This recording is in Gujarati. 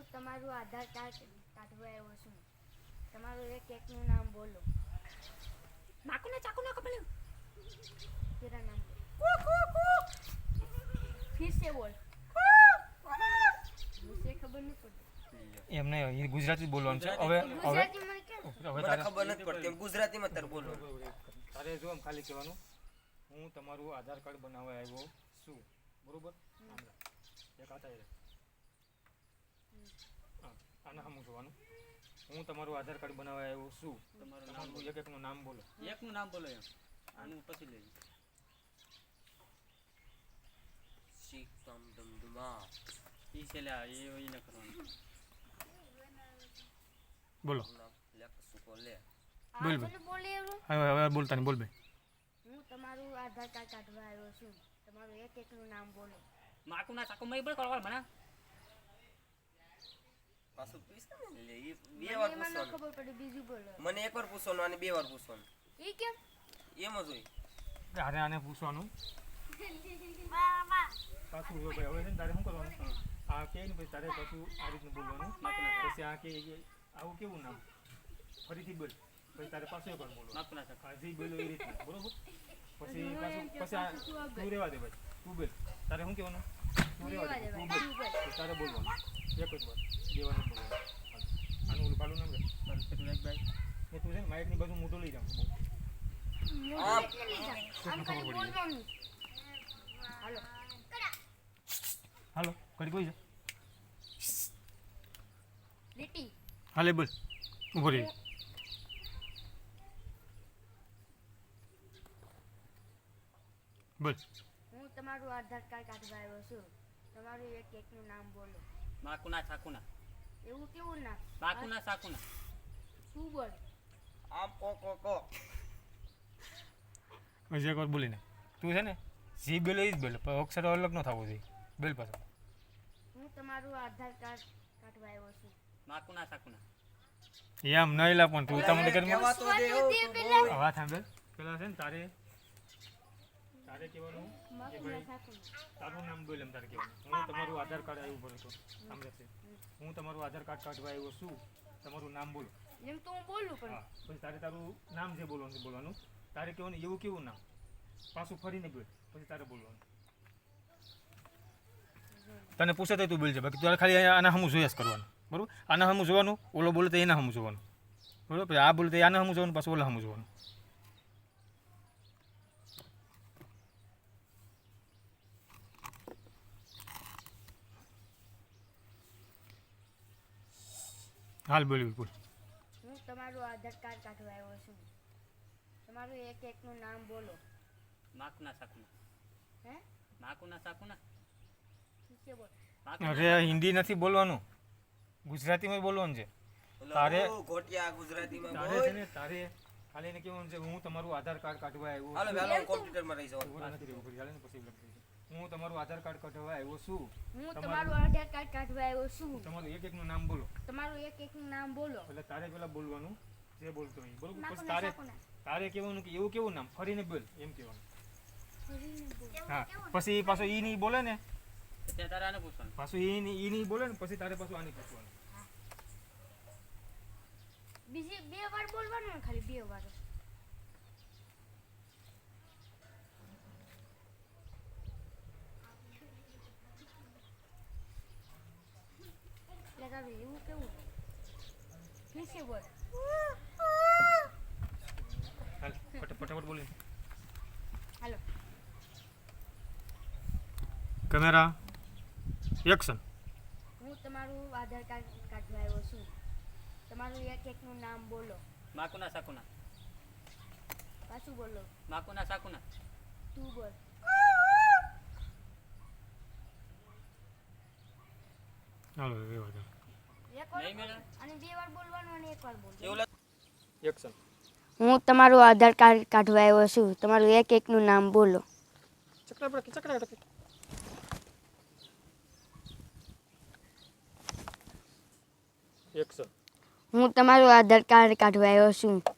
હું તમારું આધાર કાર્ડ કાઢવા આવ્યો છું. તમારું એક એકનું નામ બોલો. ચાકુ ના કપડે तेरा नाम फिर से बोल मुझे खबर नहीं पड़ती એમ નહીં એ ગુજરાતી બોલવાનું છે હવે गुजराती में क्या હવે મને તારે ખબર નથી પડતી એમ ગુજરાતીમાં તાર બોલો તારે જો આમ ખાલી કહેવાનું હું તમારું આધાર કાર્ડ બનાવવા આવ્યો છું બરોબર એક આ થાય આના હમું જોવાનું હું તમારું આધાર કાર્ડ બનાવવા આવ્યો છું તમારું એક એકનું નામ બોલો એકનું નામ બોલો એમ આનું પછી લઈ શીખ તમ દમદમા ઈ છે લ્યા એ ન કરવાનું બોલો લેખ સુકો લે બોલ बोल बोले હવે બોલતા નહીં બોલ બે હું તમારું આધાર કાર્ડ કાઢવા આવ્યો છું. તમારું એક એકનું નામ બોલો. માકુ ના ચાકુ મય બોલ કરવા મને પાછું પૂછે ને લે ઈ બે મને વાર એમાં ન પૂછવાનું ખબર પડી બીજું બોલો. મને એકવાર પૂછવાનું અને બે વાર પૂછવાનું ઈ કેમ એમ જ હોય આને આને પૂછવાનું પાછું જો ભાઈ હવે છે ને તારે શું કરવાનું આ કે ને પછી તારે પાછું આ રીતનું બોલવાનું પછી આ કે આવું કેવું નામ ફરીથી બોલ પછી તારે પાછું એકવાર બોલવાનું માકુ ના ચાકુ હજી બોલો એ રીતના બરોબર પછી પાછું પછી આ તું રહેવા દે ભાઈ તું બોલ તારે શું કહેવાનું તું રહેવા દે તું બોલ પછી તારે બોલવાનું એક જ વાર દેવાનું બોલવાનું આનું ઓલું પાલું નામ રે પેલું એક ભાઈ એ તું છે ને માઇકની બાજુ મોટો લઈ જાવ મોઢું એટલે લઈ જા. આમ કરી બોલવાનું. હાલો હાલો કરી કોઈ છે લીટી હાલે બોલ ઉભો રહી બોલ હું તમારું આધાર કાર્ડ કાઢવા આવ્યો છું. તમારું એક એકનું નામ બોલો. માકુ ના ચાકુ ના એવું કેવું નામ માકુ ના ચાકુ ના તું બોલ. આમ કો કો કો હજી એકવાર બોલીને તું છે ને જી બોલે એ જ બોલે પણ અક્ષર અલગ ન થવો જોઈએ બોલ પાછો હું તમારું આધાર કાર્ડ કાઢવા આવ્યો છું. માકુ ના ચાકુ ના એમ નહીં લા પણ તું તમને કરી કહેવા તો દે વાત દે પેલા. વાત સાંભળ પેલા છે ને તારે તારે કહેવાનું કે મારું ભાઈ નાખું. તારું નામ બોલ એમ તારે કહેવાનું હું તમારું આધાર કાર્ડ આવ્યું બોલો તો સાંભળશે હું તમારું આધાર કાર્ડ કાઢવા આવ્યો છું તમારું નામ બોલો એમ તો હું બોલું પણ હા પછી તારે તારું નામ છે બોલવાનું તારે કહેવાનું એવું કેવું નામ પાછું ફરીને બોલ પછી તારે બોલવાનું તને પૂછે તો તું બોલજે બાકી તારે ખાલી આના હમું જોયા જ કરવાનું બરાબર આના હમું જોવાનું ઓલો બોલે તો એના હમું જોવાનું બરાબર પછી આ બોલે તો આના હમું જોવાનું પાછું ઓલા હમું જોવાનું હાલ બોલ્યું બોલ હું તમારું આધાર કાર્ડ કાઢવા આવ્યો છું. તમારું એક એકનું નામ બોલો. માકુ ના ચાકુ ના હે માકુ ના ચાકુ ના ઠીક બોલ. માકુ અરે હિન્દી નથી બોલવાનું ગુજરાતીમાં બોલવાનું છે તારે- ઓલો ઘોટિયા ગુજરાતીમાં તારે બોલ છે ને તારે ખાલી એને કેવું છે હું તમારું આધાર કાર્ડ કાઢવા આવ્યો હાલો છું. વેલો કોમ્પ્યુટરમાં રહી જાવ ઉભા નથી રહેવું, હાલે ને પછી લખી દઈશું. હું તમારું આધાર કાર્ડ કાઢવા આવ્યો છું હું તમારું આધાર કાર્ડ કાઢવા આવ્યો છું. તમારું એક એકનું નામ બોલો તમારું એક એકનું નામ બોલો. એટલે તારે પેલા બોલવાનું જે બોલતો હોય બરોબર નાખો પછી ના, તારે નાખો ના. તારે કહેવાનું કે એવું કેવું નામ ફરીને બોલ એમ કહેવાનું ફરીને બોલ. હા પછી પાછો ઈ નહીં બોલે ને ત્યાં તારે આને પૂછવાનું પાછું ઈ નહીં બોલે ને પછી તારે પાછું આને પૂછવાનું બીજી બે વાર બોલવાનું ને ખાલી બે વાર. લગાવે એવું કેવું ફિર સે બોલ. હાલ ફટાફટ બોલી હાલો કેમેરા એક્શન હું તમારું આધાર કાર્ડ કાઢવા આવ્યો છું. તમારું એક એકનું નામ બોલો. માકુ ના ચાકુ ના પાછું બોલો. માકુ ના ચાકુ ના તું બોલ. હાલો રેવા દે એક વાર નહીં મેળા અને બે વાર બોલવાનું અને એક વાર બોલવાનું. એવું એક્શન હું તમારું આધાર કાર્ડ કાઢવા આવ્યો છું. તમારું એક એકનું નામ બોલો. એક્શન હું તમારું આધાર કાર્ડ કાઢવા આવ્યો છું.